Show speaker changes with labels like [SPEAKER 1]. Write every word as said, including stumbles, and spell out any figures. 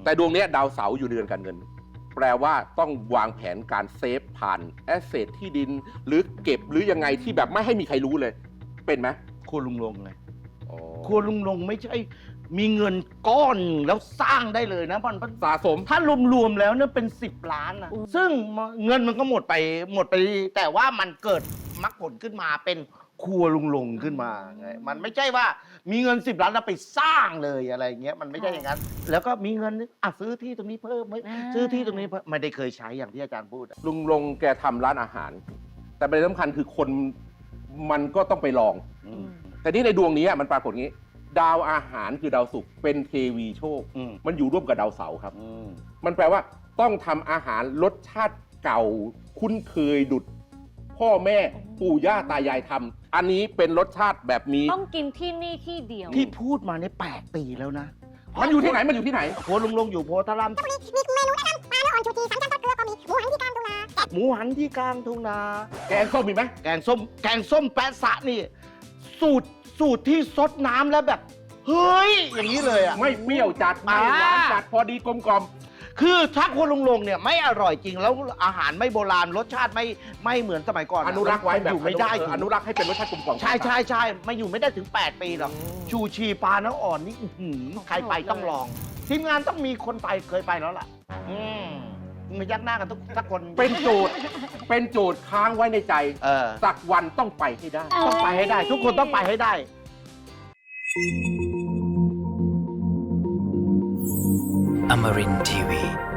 [SPEAKER 1] แต่ดวงนี้ดาวเสาร์อยู่เรือนการเงินแปลว่าต้องวางแผนการเซฟผ่านแอสเซทที่ดินหรือเก็บหรือยังไงที่แบบไม่ให้มีใครรู้เลยเป็นไหม
[SPEAKER 2] ครัวลุงลงไง
[SPEAKER 1] อ๋อ
[SPEAKER 2] ครัวลุงลงไม่ใช่มีเงินก้อนแล้วสร้างได้เลยนะมัน
[SPEAKER 1] สะสม
[SPEAKER 2] ถ้ารวมๆแล้วเนี่ยเป็นสิบล้านนะซึ่งเงินมันก็หมดไปหมดไปแต่ว่ามันเกิดมรรคผลขึ้นมาเป็นครัวลุงลงขึ้นมาไงมันไม่ใช่ว่ามีเงินสิบล้านแล้วไปสร้างเลยอะไรเงี้ยมันไม่ใช่อย่างนั้นแล้วก็มีเงินอ่ะซื้อที่ตรงนี้เพิ่มไหมซื้อที่ตรงนี้เพิ่มไม่ได้เคยใช้อย่างที่อาจารย์พูดอะ
[SPEAKER 1] ลุงลงแกทำร้านอาหาร แต่ประเด็นสำคัญคือคนมันก็ต้องไปลอง
[SPEAKER 2] อืม
[SPEAKER 1] แต่นี่ในดวงนี้มันปรากฏงี้ ดาวอาหารคือดาวศุกร์เป็นเทวีโชค
[SPEAKER 2] อืม
[SPEAKER 1] มันอยู่ร่วมกับดาวเสาร์ครับ
[SPEAKER 2] อืม
[SPEAKER 1] มันแปลว่าต้องทำอาหารรสชาติเก่าคุ้นเคยดุดพ่อแม่ปู่ย่าตายายทำอันนี้เป็นรสชาติแบบมี
[SPEAKER 3] ต้องกินที่นี่ที่เดียว
[SPEAKER 2] ที่พูดมาในแปดปีแล้วนะ
[SPEAKER 1] มันอยู่ที่ไหนมันอยู่ที่ไหน
[SPEAKER 2] ครัวลุงลงอยู่โพธาราม
[SPEAKER 4] มีเมนูแนะนำปลาเนื้ออ่อนชูชีสามชั้นทอดเกลือก็มีหมูหันที่กลางทุ่งนา
[SPEAKER 2] หมูหันที่กลางทุ่งนา
[SPEAKER 1] แกงส้มมีไหม
[SPEAKER 2] แกงส้มแกงส้มแปะสะนี่ สูตรสูตรที่ซดน้ำแล้วแบบ เฮ้ย อย่างนี้เลยอ่ะ
[SPEAKER 1] ไม่เปรี้ยวจัดไม่หวานจัดพอดีกลมกล่อม
[SPEAKER 2] คือถ้าครัวลุงลงเนี่ยไม่อร่อยจริงแล้วอาหารไม่โบราณรสชาติไม่ไม่เหมือนสมัยก่อนอะ
[SPEAKER 1] อนุรักษ์ไว้แบบ
[SPEAKER 2] อยู่ไม่ได้
[SPEAKER 1] เอออนุรักษ์ให้เป็นรสชาติกลมกล่อม
[SPEAKER 2] ใช่ใช่ใช่ไม่อยู่ไม่ได้ถึงแปดปีหรอกชูชีปลาเนื้ออ่อนนี่อื้อหือใครไปต้องลอง ทีมงานต้องมีคนไปเคยไปแล้วล่ะ อืมมายักหน้ากันทุกทุกคน
[SPEAKER 1] เป็นโจทย์เป็นโจทย์ค้างไว้ในใจ
[SPEAKER 2] เออ
[SPEAKER 1] สักวันต้องไปให้ได้
[SPEAKER 2] ต้องไปให้ได้ ทุกคนต้องไปให้ได้
[SPEAKER 5] Amarin Tiwi.